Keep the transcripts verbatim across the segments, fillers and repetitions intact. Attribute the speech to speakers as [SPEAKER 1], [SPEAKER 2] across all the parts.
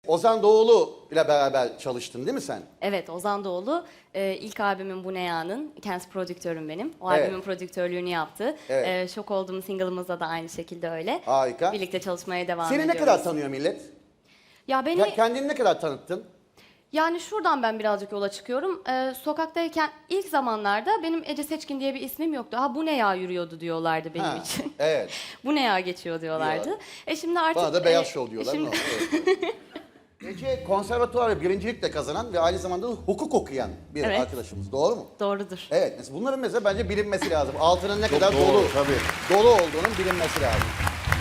[SPEAKER 1] Ozan Doğulu ile beraber çalıştın değil mi sen?
[SPEAKER 2] Evet, Ozan Doğulu e, ilk albümüm Bu Ne Ya'nın, kendisi prodüktörüm benim. O
[SPEAKER 1] Evet.
[SPEAKER 2] albümün prodüktörlüğünü yaptı.
[SPEAKER 1] Evet.
[SPEAKER 2] E, Şok Olduğum single'ımızda da aynı şekilde öyle.
[SPEAKER 1] Harika.
[SPEAKER 2] Birlikte çalışmaya devam
[SPEAKER 1] Seni
[SPEAKER 2] ediyoruz.
[SPEAKER 1] ne kadar tanıyor millet?
[SPEAKER 2] Ya beni,
[SPEAKER 1] Ya kendini ne kadar tanıttın?
[SPEAKER 2] yani şuradan ben birazcık yola çıkıyorum. E, sokaktayken ilk zamanlarda benim Ece Seçkin diye bir ismim yoktu. Ha bu ne ya yürüyordu diyorlardı benim
[SPEAKER 1] Ha,
[SPEAKER 2] için.
[SPEAKER 1] evet.
[SPEAKER 2] Bu ne ya geçiyor diyorlardı.
[SPEAKER 1] Diyorlar.
[SPEAKER 2] E şimdi artık...
[SPEAKER 1] Bana da beyaz
[SPEAKER 2] e,
[SPEAKER 1] şov diyorlar.
[SPEAKER 2] şimdi-
[SPEAKER 1] Ne olur, evet. Ece konservatuvar ve birincilik de kazanan ve aynı zamanda da hukuk okuyan bir
[SPEAKER 2] Evet.
[SPEAKER 1] arkadaşımız. Doğru mu?
[SPEAKER 2] Doğrudur.
[SPEAKER 1] Evet. Mesela bunların mesela bence bilinmesi lazım. Altının ne kadar
[SPEAKER 3] doğru,
[SPEAKER 1] dolu,
[SPEAKER 3] tabii.
[SPEAKER 1] dolu olduğunun bilinmesi lazım.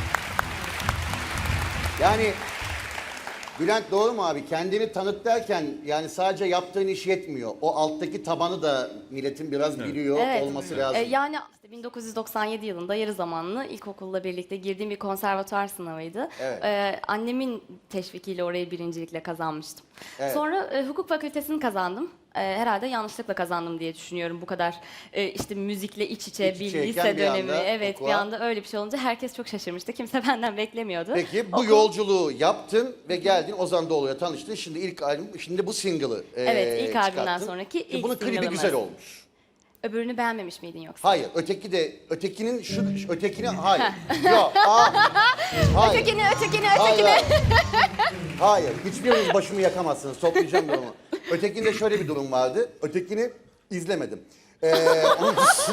[SPEAKER 1] Yani Bülent doğru mu abi? Kendini tanıt derken yani sadece yaptığın iş yetmiyor. O alttaki tabanı da milletin biraz biliyor
[SPEAKER 2] Evet.
[SPEAKER 1] olması lazım.
[SPEAKER 2] E, yani işte bin dokuz yüz doksan yedi yılında yarı zamanlı ilkokulla birlikte girdiğim bir konservatuar sınavıydı.
[SPEAKER 1] Evet.
[SPEAKER 2] E, annemin teşvikiyle orayı birincilikle kazanmıştım.
[SPEAKER 1] Evet.
[SPEAKER 2] Sonra e, hukuk fakültesini kazandım. E, herhalde yanlışlıkla kazandım diye düşünüyorum. Bu kadar e, işte müzikle iç içe
[SPEAKER 1] İç
[SPEAKER 2] bir
[SPEAKER 1] içeyken
[SPEAKER 2] lise
[SPEAKER 1] bir
[SPEAKER 2] dönemi.
[SPEAKER 1] anda
[SPEAKER 2] Evet,
[SPEAKER 1] hukuka.
[SPEAKER 2] bir anda öyle bir şey olunca herkes çok şaşırmıştı. Kimse benden beklemiyordu.
[SPEAKER 1] Peki bu
[SPEAKER 2] Okul-
[SPEAKER 1] yolculuğu yaptın ve geldin Ozan Doğulu'ya tanıştın. Şimdi ilk albüm, şimdi bu single'ı e,
[SPEAKER 2] Evet, ilk albümden
[SPEAKER 1] çıkarttın.
[SPEAKER 2] sonraki
[SPEAKER 1] Ki
[SPEAKER 2] ilk
[SPEAKER 1] bunun klibi
[SPEAKER 2] single'ımız.
[SPEAKER 1] güzel olmuş.
[SPEAKER 2] Öbürünü beğenmemiş miydin yoksa?
[SPEAKER 1] Hayır, öteki de ötekinin şu şu- ötekini hayır. Yok. aa, hayır.
[SPEAKER 2] Ötekini, ötekini,
[SPEAKER 1] Hayır,
[SPEAKER 2] ötekini.
[SPEAKER 1] hayır. Hayır, hiçbiriniz başımı yakamazsınız. Toplayacağım durumu. Ötekinde şöyle bir durum vardı. Ötekini izlemedim. Ee, onun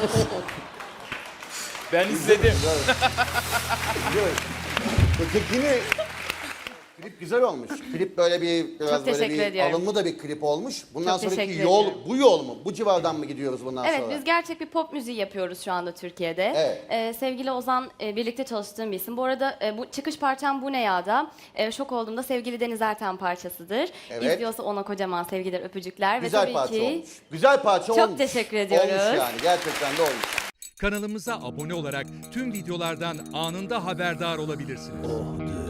[SPEAKER 3] Ben izledim.
[SPEAKER 1] Yok. Ötekini klip güzel olmuş. Klip böyle bir biraz
[SPEAKER 2] Çok
[SPEAKER 1] böyle
[SPEAKER 2] teşekkür
[SPEAKER 1] bir
[SPEAKER 2] ediyorum.
[SPEAKER 1] alımlı da bir klip olmuş. Bundan
[SPEAKER 2] Çok
[SPEAKER 1] sonraki
[SPEAKER 2] teşekkür
[SPEAKER 1] yol
[SPEAKER 2] ediyorum.
[SPEAKER 1] bu yol mu? Bu civardan mı gidiyoruz bundan
[SPEAKER 2] Evet,
[SPEAKER 1] sonra?
[SPEAKER 2] biz gerçek bir pop müziği yapıyoruz şu anda Türkiye'de.
[SPEAKER 1] Evet.
[SPEAKER 2] Ee, sevgili Ozan, e, birlikte çalıştığım bir isim. Bu arada e, bu çıkış parçam Bu Ne Ya'da. E, şok olduğumda sevgili Deniz Erten parçasıdır.
[SPEAKER 1] Evet.
[SPEAKER 2] İzliyorsa ona kocaman sevgiler, öpücükler.
[SPEAKER 1] Güzel
[SPEAKER 2] Ve tabii
[SPEAKER 1] parça
[SPEAKER 2] ki
[SPEAKER 1] olmuş. Güzel parça
[SPEAKER 2] Çok
[SPEAKER 1] olmuş.
[SPEAKER 2] teşekkür ediyoruz.
[SPEAKER 1] Olmuş yani gerçekten de olmuş.
[SPEAKER 4] Kanalımıza abone olarak tüm videolardan anında haberdar olabilirsiniz.